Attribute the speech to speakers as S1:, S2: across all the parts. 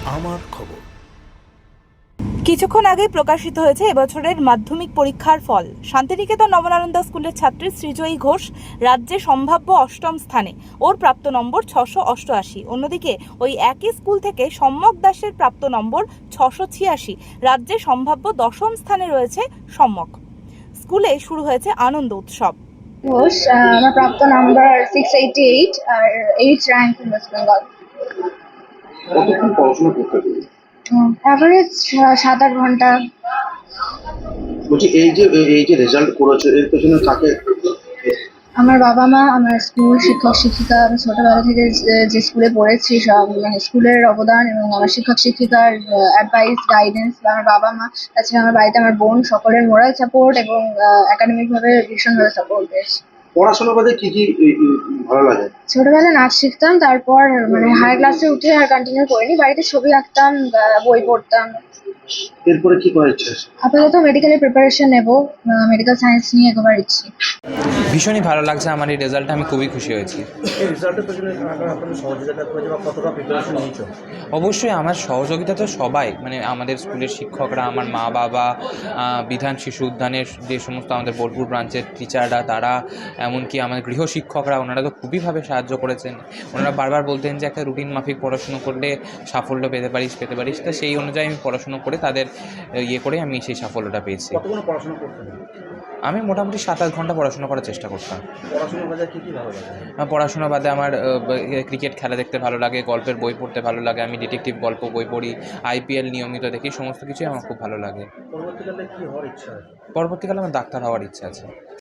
S1: আমার খবর।
S2: কিছুক্ষণ আগে প্রকাশিত হয়েছে এবছরের মাধ্যমিক পরীক্ষার ফল। শান্তিনিকেতন নবনানন্দা স্কুলের ছাত্রী সৃজয়ী ঘোষ রাজ্যে সম্ভাব্য অষ্টম স্থানে, ওর প্রাপ্ত নম্বর 688। অন্যদিকে ওই একই স্কুল থেকে সম্যক দাসের প্রাপ্ত নম্বর 686। রাজ্যে সম্ভাব্য দশম স্থানে রয়েছে সম্যক। স্কুলে শুরু হয়েছে আনন্দ উৎসব।
S3: ঘোষ, আমার প্রাপ্ত নাম্বার 688 আর 8 র্যাঙ্ক ইন ওয়েস্ট বেঙ্গল।
S4: কতক্ষণ পড়াশোনা করতে হবে?
S3: অ্যাভারেজ 7-8 ঘন্টা।
S4: বলছি এই যে রেজাল্ট করেছো এর পেছনে কাকে?
S3: আমার বাবা মা, আমার স্কুল শিক্ষক শিক্ষিকা, আমি ছোটবেলা থেকে যে স্কুলে পড়েছি সব, মানে স্কুলের অবদান এবং আমার শিক্ষক শিক্ষিকার অ্যাডভাইস গাইডেন্স, বা আমার বাবা মা, তাছাড়া আমার বাড়িতে আমার বোন, সকলের মোরাল সাপোর্ট এবং একাডেমিক ভাবে ভীষণভাবে সাপোর্ট পেয়েছি।
S4: পড়াশোনা বাদে কি ভালো লাগে?
S3: ছোটবেলায় নাচ শিখতাম, তারপর মানে হায়ার ক্লাসে উঠে আর কন্টিনিউ করিনি। বাড়িতে ছবি আঁকতাম, বই পড়তাম।
S4: এরপরে কি করার ইচ্ছা আছে?
S3: আপাতত মেডিকেলের প্রিপারেশন নেব, মেডিকেল সায়েন্স নিয়ে এগোবার ইচ্ছে।
S5: ভীষণই ভালো লাগছে আমার এই রেজাল্টে, আমি খুবই খুশি হয়েছি।
S1: এই রেজাল্টের পেছনে আপনাদের সহযোগিতা করেছে বা কতটা প্রিপারেশন নিয়েছো?
S5: অবশ্যই আমার সহযোগিতা তো সবাই, মানে আমাদের স্কুলের শিক্ষকরা, আমার মা বাবা, বিধান শিশু উদ্যানের যে সমস্ত আমাদের বোলপুর ব্রাঞ্চের টিচাররা, তারা এমনকি আমাদের গৃহ শিক্ষকরা, ওনারা তো খুবই সাহায্য করেছেন। ওনারা বারবার বলতেন যে একটা রুটিন মাফিক পড়াশুনো করলে সাফল্য পেতে পারিস। তো সেই অনুযায়ী আমি পড়াশুনো করে তাদের করে আমি সেই সাফল্যটা পেয়েছি।
S1: কতক্ষণ পড়াশোনা করতে হবে?
S5: আমি মোটামুটি 7-8 ঘন্টা পড়াশোনা করার চেষ্টা করতাম।
S1: পড়াশোনার বাজার কি ভালো লাগে?
S5: পড়াশোনা বাদে আমার ক্রিকেট খেলা দেখতে ভালো লাগে, গল্পের বই পড়তে ভালো লাগে, আমি ডিটেকটিভ গল্প বই পড়ি, আইপিএল নিয়মিত দেখি, সমস্ত কিছুই আমার খুব ভালো লাগে।
S1: পরবর্তীকালে কি হওয়ার ইচ্ছা আছে?
S5: পরবর্তীকালে আমার ডাক্তার হওয়ার ইচ্ছা আছে।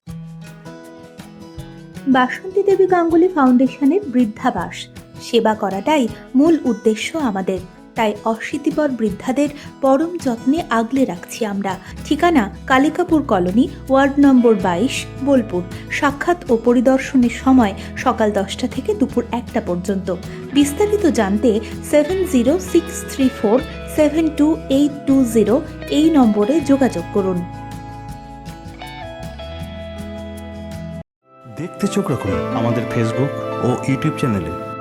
S6: বাসন্তী দেবী গাঙ্গুলি ফাউন্ডেশনের বৃদ্ধাবাস সেবা করাটাই মূল উদ্দেশ্য আমাদের। তাই অশীতিপর বৃদ্ধাদের পরম যত্নে আগলে রাখছি আমরা। ঠিকানা Kalikapur colony, ward number 22, Bolpur. সাক্ষাৎ ও পরিদর্শনের সময় সকাল 10টা থেকে দুপুর 1টা পর্যন্ত। বিস্তারিত জানতে 7064728220 এই নম্বরে যোগাযোগ করুন।
S1: দেখতে চোখ রাখুন আমাদের ফেসবুক ও ইউটিউব চ্যানেলে।